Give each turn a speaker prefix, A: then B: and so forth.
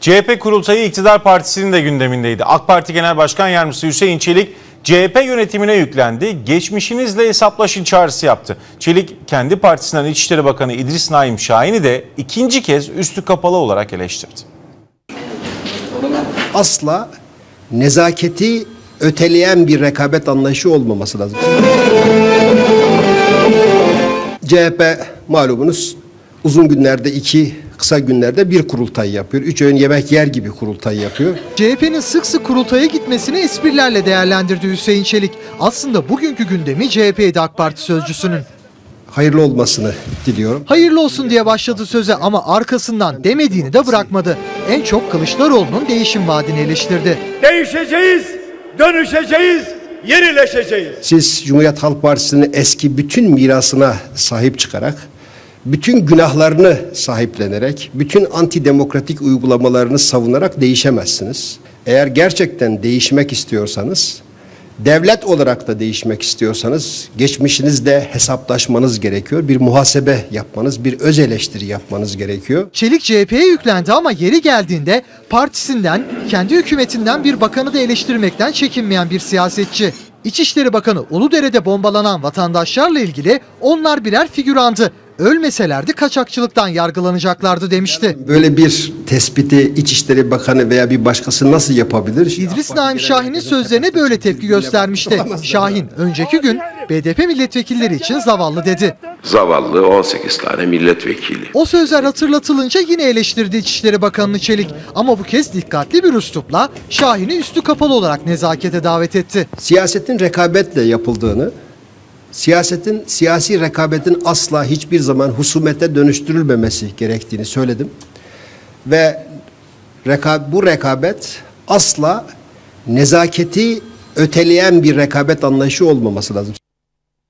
A: CHP kurultayı iktidar partisinin de gündemindeydi. AK Parti Genel Başkan Yardımcısı Hüseyin Çelik CHP yönetimine yüklendi. Geçmişinizle hesaplaşın çağrısı yaptı. Çelik kendi partisinden İçişleri Bakanı İdris Naim Şahin'i de ikinci kez üstü kapalı olarak eleştirdi.
B: Asla nezaketi öteleyen bir rekabet anlayışı olmaması lazım. CHP malumunuz uzun günlerde iki, kısa günlerde bir kurultay yapıyor. 3 öğün yemek yer gibi kurultay yapıyor.
C: CHP'nin sık sık kurultaya gitmesini esprilerle değerlendirdi Hüseyin Çelik. Aslında bugünkü gündemi CHP'ydi AK Parti sözcüsünün.
B: Hayırlı olmasını diliyorum.
C: Hayırlı olsun diye başladı söze ama arkasından demediğini de bırakmadı. En çok Kılıçdaroğlu'nun değişim vaadini eleştirdi.
D: Değişeceğiz, dönüşeceğiz, yenileşeceğiz.
B: Siz Cumhuriyet Halk Partisi'nin eski bütün mirasına sahip çıkarak, bütün günahlarını sahiplenerek, bütün antidemokratik uygulamalarını savunarak değişemezsiniz. Eğer gerçekten değişmek istiyorsanız, devlet olarak da değişmek istiyorsanız geçmişinizle hesaplaşmanız gerekiyor. Bir muhasebe yapmanız, bir öz eleştiri yapmanız gerekiyor.
C: Çelik CHP'ye yüklendi ama yeri geldiğinde partisinden, kendi hükümetinden bir bakanı da eleştirmekten çekinmeyen bir siyasetçi. İçişleri Bakanı Uludere'de bombalanan vatandaşlarla ilgili onlar birer figürandı. Ölmeselerdi kaçakçılıktan yargılanacaklardı demişti.
B: Böyle bir tespiti İçişleri Bakanı veya bir başkası nasıl yapabilir?
C: İdris Naim Şahin'in sözlerine böyle tepki göstermişti. Şahin önceki gün BDP milletvekilleri için zavallı dedi.
E: Zavallı 18 tane milletvekili.
C: O sözler hatırlatılınca yine eleştirdi İçişleri Bakanı'nı Çelik. Ama bu kez dikkatli bir üslupla Şahin'i üstü kapalı olarak nezakete davet etti.
B: Siyasetin rekabetle yapıldığını, siyasi rekabetin asla hiçbir zaman husumete dönüştürülmemesi gerektiğini söyledim. Ve bu rekabet asla nezaketi öteleyen bir rekabet anlayışı olmaması lazım.